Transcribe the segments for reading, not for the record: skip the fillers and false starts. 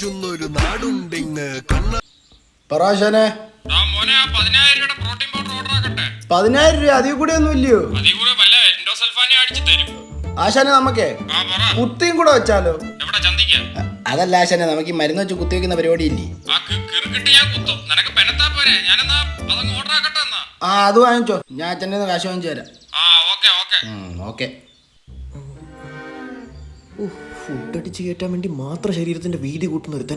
കൊഞ്ചുന്നൊരു നാടുണ്ടിങ് പറാശനെ 10,000 രൂപ അതിൽ കൂടെ ഒന്നും ഇല്ലയോ? ആശാനെ നമുക്കേ കുത്തിയും കൂടെ വെച്ചാലോ? അതല്ല ആശാനെ, നമുക്ക് ഈ മരുന്ന് വെച്ച് കുത്തി വെക്കുന്ന പരിപാടി ഇല്ലേ? ആ അത് വാങ്ങിച്ചോ, ഞാൻ അച്ഛൻ്റെ കാശ് വാങ്ങിച്ചു തരാം. ഓക്കെ. ഫുഡ് അടിച്ച് കയറ്റാൻ വേണ്ടി മാത്രം ശരീരത്തിന്റെ വീതി കൂട്ടുന്ന ഒരുത്തൻ.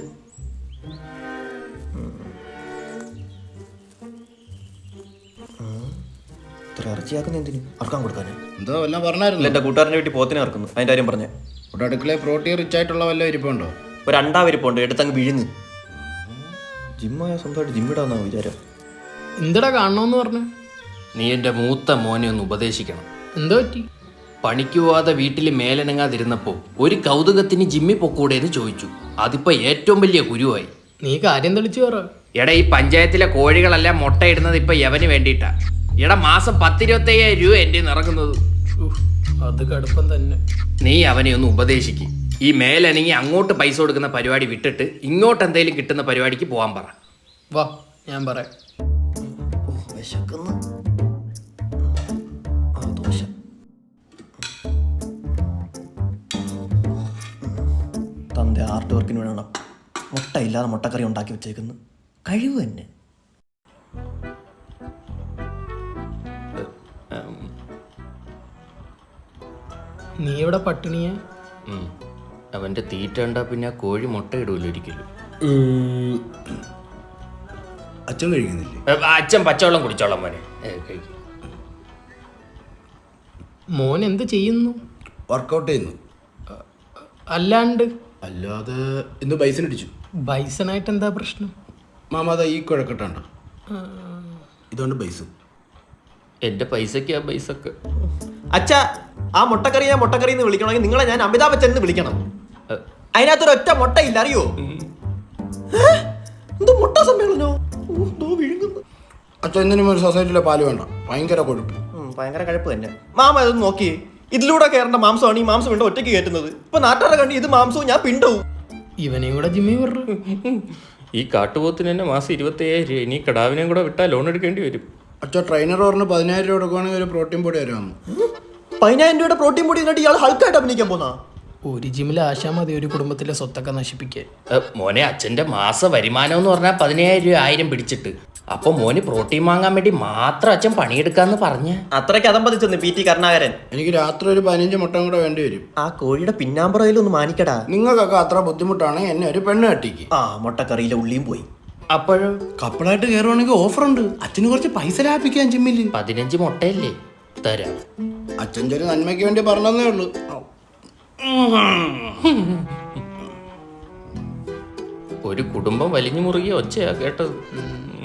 ഇത്ര ഇറച്ചിയാക്കുന്ന എന്തിനു? അറക്കാൻ കൊടുക്കാനേ? എന്തോ വല്ലതും പറഞ്ഞായിരുന്നു. എന്റെ കൂട്ടുകാരന്റെ വീട്ടിൽ പോത്തിനെ ഇറക്കുന്നു, അതിന്റെ കാര്യം പറഞ്ഞേ. ഇവിടെ അടുക്കളയിൽ പ്രോട്ടീൻ റിച്ച് ആയിട്ടുള്ള വല്ല ഇരിപ്പുണ്ടോ? ഒരു അണ്ടാവിരിപ്പുണ്ട്, എടുത്തങ്ങ് വിഴുങ്ങ്. ജിമ്മായ സ്വന്തമായിട്ട് ജിമ്മിടാന്നാ വിചാരം. എന്തടാ കാണണമെന്ന് പറഞ്ഞു? നീ എൻ്റെ മൂത്ത മോനെ ഒന്ന് ഉപദേശിക്കണം. എന്തോ പറ്റി? പണിക്ക് പോവാതെ വീട്ടിൽ മേലനങ്ങാതിരുന്നപ്പോൾ ഒരു കൗതുകത്തിന് ജിമ്മിൽ പൊക്കൂടെന്ന് ചോദിച്ചു. അതിപ്പോൾ ഏറ്റവും വലിയ കുരുവായി. നീ കാര്യം തെളിച്ചു പറ. എടാ, ഈ പഞ്ചായത്തിലെ കോഴികളെല്ലാം മുട്ടയിടുന്നത് ഇപ്പം യവന് വേണ്ടിയിട്ടാ. എടാ, മാസം 10,000-25,000 രൂപ എൻ്റെ ഇറങ്ങുന്നത്. അത് കടുപ്പം തന്നെ. നീ അവനെ ഒന്ന് ഉപദേശിക്കും. ഈ മേലനങ്ങി അങ്ങോട്ട് പൈസ കൊടുക്കുന്ന പരിപാടി വിട്ടിട്ട് ഇങ്ങോട്ട് എന്തെങ്കിലും കിട്ടുന്ന പരിപാടിക്ക് പോകാൻ പറ. വാ, ഞാൻ പറയാം. വിശക്കുന്നു. തന്റെ ആർട്ട് വർക്കിന് വേണം മുട്ട ഇല്ലാതെ മുട്ടക്കറി ഉണ്ടാക്കി വെച്ചേക്കുന്നു. കഴിവ് തന്നെ. നീ ഇവിടെ പട്ടിണിയെ? അവൻ്റെ തീറ്റ ഉണ്ടാ പിന്നെ കോഴി മുട്ട ഇടൂല്ലോ ഒരിക്കലും. അച്ഛൻ കഴിക്കുന്നില്ലേ? അച്ഛൻ പച്ചവെള്ളം കുടിച്ചോളാം മോനെ. മോൻ എന്ത് ചെയ്യുന്നു? വർക്കൗട്ട് ചെയ്യുന്നു. അല്ലാതെ ഇന്ന് ബൈസൺ അടിച്ചു. ബൈസണായിട്ട് എന്താ പ്രശ്നം? മാമ അതാ ഈ കുഴക്കട്ടാണ്ടോ, ഇതുകൊണ്ട് ബൈസും. എൻ്റെ പൈസക്ക് ആ പൈസക്ക്. അച്ഛാ, ആ മുട്ടക്കറി ഞാൻ മുട്ടക്കറി എന്ന് വിളിക്കണമെങ്കിൽ നിങ്ങളെ ഞാൻ അമിതാഭ് ബച്ചൻ എന്ന് വിളിക്കണം. അതിനകത്തൊരൊറ്റ മുട്ടയില്ല, അറിയോ? എന്തോ മുട്ട സമ്മേളനോ വിഴുങ്ങുന്നു. അച്ഛൻ എന്തിനും ഒരു സൊസൈറ്റിയിലെ പാല് വേണ്ട, ഭയങ്കര കൊഴുപ്പ്. ഭയങ്കര കഴുപ്പ് തന്നെ. മാമ ഇതൊന്ന് നോക്കി, ഇതിലൂടെ കയറേണ്ട മാംസമാണ് ഈ മാംസം വീണ്ടും ഒറ്റയ്ക്ക് കയറ്റുന്നത്. ഇപ്പൊ നാട്ടുകാരെ കണ്ടി ഇത് മാംസവും ഞാൻ പിണ്ടവും. ഇവനെയും കൂടെ ജിമ്മിൽ വിടു. ഈ കാട്ടുപോത്തിന് തന്നെ മാസം 25,000 രൂപ. ഇനി കടാവിനെയും കൂടെ വിട്ടാൽ ലോൺ എടുക്കേണ്ടി വരും. അച്ഛൻ ട്രെയിനർ പറഞ്ഞ് 10,000 രൂപ കൊടുക്കുവാണെങ്കിൽ ഒരു പ്രോട്ടീൻ പൊടി വരുമെന്ന്. 10,000 രൂപയുടെ പ്രോട്ടീൻ പൊടി എന്നിട്ട് ഇയാൾ ഹൾക്കായിട്ട് അഭിനയിക്കാൻ പോന്നാ? ഒരു ജിമ്മിൽ ആശാ മതി ഒരു കുടുംബത്തിലെ സ്വത്തൊക്കെ നശിപ്പിക്കാൻ. മോനെ, അച്ഛൻ്റെ മാസ വരുമാനം എന്ന് പറഞ്ഞാൽ 15,000 രൂപ 1000 പിടിച്ചിട്ട്. അപ്പൊ മോന് പ്രോട്ടീൻ വാങ്ങാൻ വേണ്ടി മാത്രം അച്ഛൻ പണിയെടുക്കാന്ന് പറഞ്ഞ അത്രയ്ക്ക് അതമ്പതിച്ചെന്ന് PT കരുണാകരൻ. എനിക്ക് രാത്രി ഒരു 15 മുട്ട കൂടെ വേണ്ടി വരും. ആ കോഴിയുടെ പിന്നാമ്പറയിലൊന്ന് മാനിക്കടാ. നിങ്ങൾക്കൊക്കെ അത്ര ബുദ്ധിമുട്ടാണെങ്കിൽ എന്നെ ഒരു പെണ്ണ് കെട്ടിക്ക്. ആ മുട്ടക്കറിയിലെ ഉള്ളിയും പോയി. അപ്പോഴും കപ്പിളായിട്ട് കയറുവാണെങ്കിൽ ഓഫറുണ്ട്. അച്ഛന് കുറച്ച് പൈസ ലാഭിക്കാൻ ജിമ്മിൽ. 15 മുട്ടയല്ലേ തരാം. അച്ഛൻ ചെറിയ നന്മയ്ക്ക് വേണ്ടി പറഞ്ഞതേ ഉള്ളൂ. ഒരു കുടുംബം വലിഞ്ഞു മുറുകിയ ഒച്ചയാ കേട്ടത്.